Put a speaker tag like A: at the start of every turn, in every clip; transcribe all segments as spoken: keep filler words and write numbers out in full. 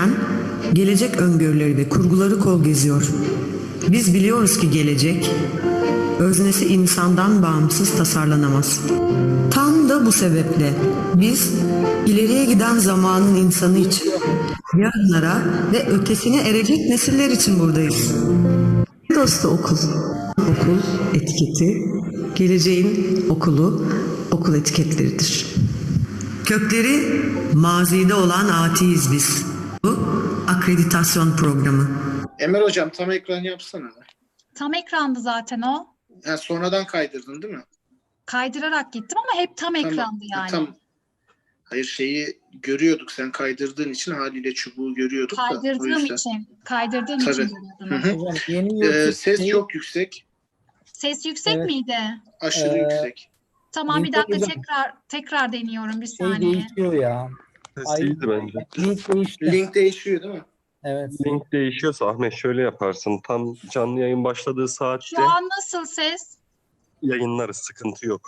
A: Evren, gelecek öngörüleri ve kurguları kol geziyor. Biz biliyoruz ki gelecek, öznesi insandan bağımsız tasarlanamaz. Tam da bu sebeple biz ileriye giden zamanın insanı için, yarınlara ve ötesine erecek nesiller için buradayız. Dostu okul, okul etiketi, geleceğin okulu, okul etiketleridir. Kökleri mazide olan atiyiz biz. Bu akreditasyon programı.
B: Emel hocam tam ekran yapsana.
C: Tam ekrandı zaten o.
B: Ha, sonradan kaydırdın değil mi?
C: Kaydırarak gittim ama hep tam
B: Tamam,
C: ekrandı yani.
B: Tam. Hayır şeyi görüyorduk sen kaydırdığın için haliyle çubuğu görüyorduk da. o
C: Kaydırdığım
B: yüzden.
C: için. Kaydırdığım
B: Tabii.
C: için
B: Hı
C: görüyordum.
B: hı.
D: Hocam yeni
B: Ee,
D: YouTube
B: ses
D: şeyi-
B: çok yüksek.
C: Ses yüksek
D: Evet.
C: miydi?
B: Aşırı
D: Ee,
B: yüksek.
C: Tamam bir
D: Link
C: dakika
D: hocam.
C: tekrar tekrar deniyorum bir
D: şey
C: saniye.
D: değişiyor ya. Ay,
E: Sesiydi bence.
D: link değişti.
B: Link değişiyor değil mi?
D: Evet.
E: Link değişiyorsa Ahmet şöyle yaparsın. Tam canlı yayın başladığı saatte
C: Şu an nasıl ses?
E: yayınlarız. Sıkıntı yok.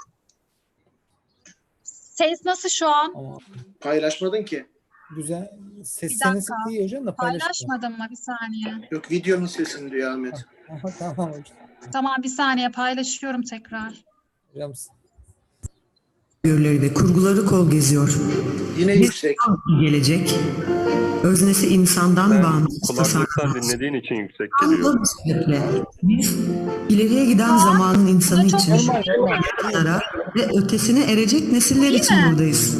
C: Ses nasıl şu an?
D: Ama
B: Paylaşmadın ki.
D: güzel.
C: Bir
D: Sesleriniz
C: dakika.
D: iyi hocam da paylaşın.
C: Paylaşmadım mı? Bir saniye.
B: Yok videonun sesini diyor Ahmet.
D: Aha, tamam hocam.
C: Tamam bir saniye paylaşıyorum tekrar.
D: Hocam
A: Öngörüleri ve kurguları kol geziyor.
B: Yine
A: Biz
B: yüksek.
A: gelecek, öznesi insandan
E: Sen
A: bağımsız
E: kulaklıktan
A: tasarlanamaz.
E: dinlediğin için yüksek
A: Tam
E: geliyor.
A: da bu sebeple biz ileriye giden zamanın insanı
C: çok
A: için,
D: normal, normal.
A: yarınlara ve ötesine erecek nesiller
C: İyi
A: için
C: mi?
A: buradayız.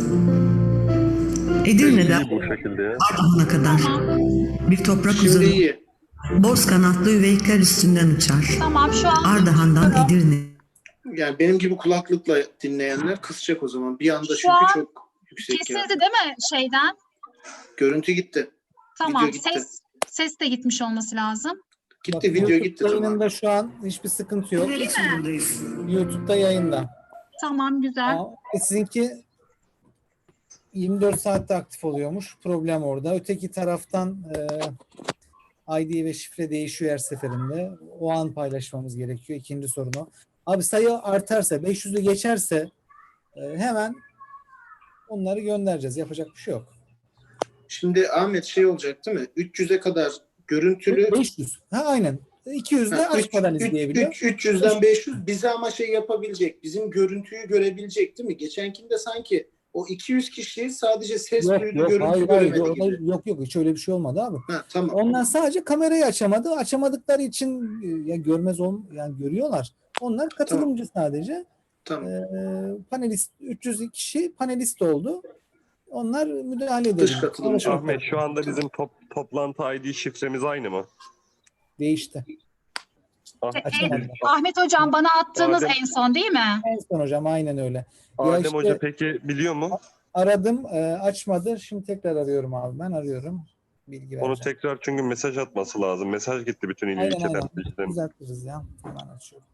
A: Edirne'den
E: İyi bu şekilde ya.
A: Ardahan'a kadar bir toprak
B: Şimdi
A: uzanır,
B: iyi.
A: boz kanatlı üveyikler üstünden uçar.
C: Tamam şu an
A: Ardahan'dan Edirne.
B: Yani benim gibi kulaklıkla dinleyenler kısacak o zaman. Bir anda
C: Şu
B: çünkü
C: an
B: çok yüksek
C: kesildi
B: yani.
C: değil mi şeyden?
B: Görüntü gitti.
C: Tamam
B: Video gitti.
C: ses ses de gitmiş olması lazım.
B: Gitti
D: bak,
B: video
D: YouTube
B: gitti tamam.
D: yayınında şu an hiçbir sıkıntı yok.
A: Nesiller için buradayız.
D: YouTube'da yayında.
C: Tamam güzel.
D: Ama sizinki yirmi dört saatte aktif oluyormuş. Problem orada. Öteki taraftan e, I D ve şifre değişiyor her seferinde. O an paylaşmamız gerekiyor. İkinci sorun o. Abi sayı artarsa, beş yüzü geçerse e, hemen onları göndereceğiz. Yapacak bir şey yok.
B: Şimdi Ahmet şey olacak değil mi? üç yüze kadar görüntülü.
D: beş yüz. Ha aynen. iki yüz de
B: Ha, üç-
D: açmadan
B: üç-
D: izleyebiliyor.
B: üç- üç yüzden beş yüz bize ama şey yapabilecek. Bizim görüntüyü görebilecek değil mi? Geçenkinde sanki o iki yüz kişi sadece ses
D: Yok
B: duydu,
D: yok
B: görüntü
D: hayır, hayır,
B: göremedi
D: yok,
B: gibi.
D: yok yok hiç öyle bir şey olmadı abi.
B: Ha, tamam.
D: Onlar sadece kamerayı açamadı. Açamadıkları için e, ya görmez ol yani görüyorlar. Onlar katılımcı sadece.
B: Tamam.
D: Ee, panelist üç yüz kişi panelist oldu. Onlar müdahale
B: Dış
D: ediyor.
B: katılımcı.
D: Sonra
E: Ahmet şu anda bizim top, toplantı I D şifremiz aynı mı?
D: değişti.
E: Ah,
C: E,
D: Açamadılar.
C: Ahmet hocam bana attığınız
E: Adem-
C: en son değil mi?
D: En son hocam aynen öyle.
E: Adem
D: işte-
E: Hoca peki biliyor mu?
D: Aradım e, açmadı. Şimdi tekrar arıyorum abi. Ben arıyorum. Bilgi
E: Onu
D: vereceğim.
E: tekrar çünkü mesaj atması lazım. Mesaj gitti bütün il
D: Aynen
E: ilçeden.
D: aynen.
E: ilçeden.
D: Düzeltiriz ya. Hemen açıyorum.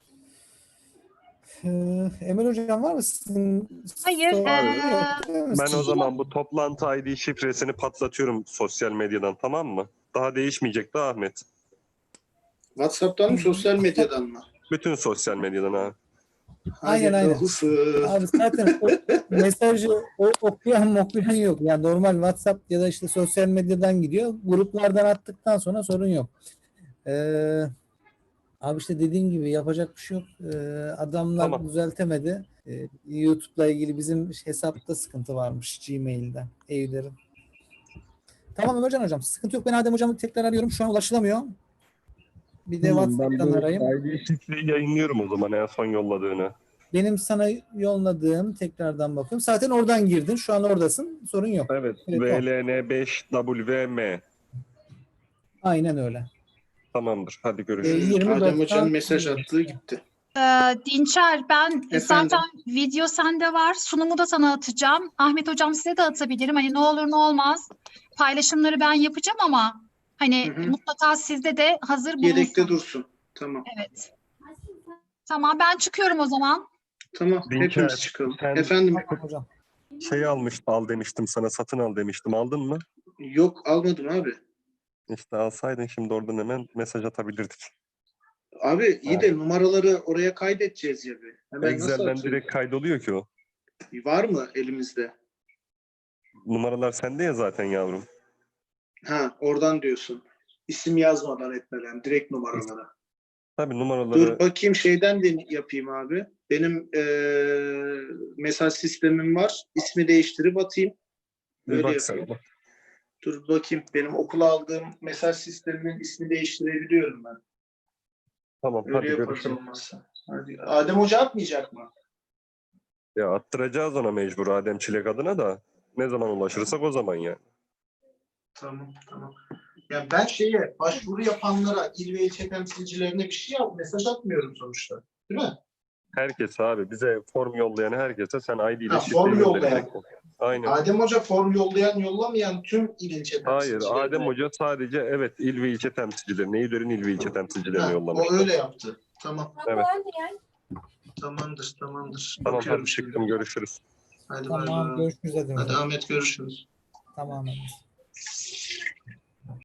D: Ee, Emel hocam var mı sizin?
C: Hayır,
D: soru-
C: ee,
D: Yok, değil mi?
E: Ben o zaman bu toplantı I D şifresini patlatıyorum sosyal medyadan, tamam mı? Daha değişmeyecek de Ahmet.
B: WhatsApp'tan mı sosyal medyadan mı?
E: Bütün sosyal medyadan ha.
D: Aynen, aynen.
B: Hayırlısı.
D: Abi zaten o mesajı o, okuyan okuyan yok. Yani normal WhatsApp ya da işte sosyal medyadan gidiyor. Gruplardan attıktan sonra sorun yok. Ee, abi işte dediğim gibi yapacak bir şey yok. Ee, adamlar
E: Tamam.
D: düzeltemedi. Ee, YouTube'la ilgili bizim hesapta sıkıntı varmış Gmail'de. Evlerin. Tamam Ömercan hocam. Sıkıntı yok. Ben Adem hocamı tekrar arıyorum. Şu an ulaşılamıyor. Bir de
E: Tamam, ben
D: WhatsApp'tan
E: bu
D: arayayım.
E: I D şifreyi yayınlıyorum o zaman en son yolladığını.
D: Benim sana yolladığım tekrardan bakıyorum. Zaten oradan girdin. Şu an oradasın. Sorun yok.
E: Evet.
D: Evet,
E: V L N beş W M.
D: Aynen öyle.
E: Tamamdır. Hadi
D: Ee,
E: görüşürüz.
D: yirmi
B: Adem
D: doksan
B: Hoca'nın mesaj attığı gitti.
C: Ee, Dinçer ben
B: Efendim?
C: zaten video sende var. Sunumu da sana atacağım. Ahmet hocam size de atabilirim. Hani ne olur ne olmaz. Paylaşımları ben yapacağım ama hani
B: Hı hı.
C: mutlaka sizde de hazır bulunsun.
B: Yedekte dursun. Tamam.
C: Evet. Tamam ben çıkıyorum o zaman.
B: Tamam.
E: Dinçer,
B: Hepimiz çıkalım.
E: sen-
B: Efendim
D: Tamam hocam.
E: Şey almıştım, al demiştim sana, satın al demiştim. Aldın mı?
B: yok almadım abi.
E: İşte alsaydın şimdi oradan hemen mesaj atabilirdik.
B: Abi iyi de numaraları oraya kaydedeceğiz ya bir. Hemen nasıl
E: Excel'den
B: atacağız?
E: direkt kaydoluyor ki o.
B: Var mı elimizde?
E: Numaralar sende ya zaten yavrum.
B: Ha, oradan diyorsun. İsim yazmadan etmeden, direkt numaralara.
E: Tabii numaraları
B: Dur bakayım şeyden de yapayım abi. Benim eee mesaj sistemim var. İsmi değiştirip atayım.
E: bir
B: Öyle
E: bak sen.
B: yapayım. Dur bakayım. Benim okula aldığım mesaj sisteminin ismi değiştirebiliyorum ben.
E: Tamam
B: Öyle
E: hadi
B: yaparız
E: görüşürüz.
B: olmazsa. Hadi. Adem Hoca atmayacak mı?
E: Ya attıracağız ona mecbur Adem Çilek adına da. Ne zaman ulaşırsak o zaman yani.
B: Tamam, tamam. Ya ben şeye, başvuru yapanlara, il ve ilçe temsilcilerine bir şey yap, mesaj atmıyorum sonuçta. Değil mi?
E: Herkes abi bize form yollayan herkese sen I D ile
B: Ha,
E: şifre
B: form
E: göndereceksin.
B: yollayan.
E: Aynen.
B: Adem Hoca form yollayan, yollamayan tüm il ilçe
E: Hayır
B: temsilcilerine.
E: Adem Hoca sadece evet il ve ilçe temsilcilerine, İİDÖR'ün il ve ilçe temsilcilerine
B: Ha,
E: yollamış.
B: o öyle yaptı. Tamam.
E: Evet.
B: Tamamdır, tamamdır.
E: Tamam
B: Bakıyorum
E: hadi
B: şimdi.
E: çıktım görüşürüz.
B: Hadi bay
D: Tamam,
B: bay.
D: görüşürüz hadi
B: Hadi
D: hocam.
B: Ahmet görüşürüz.
D: Tamam.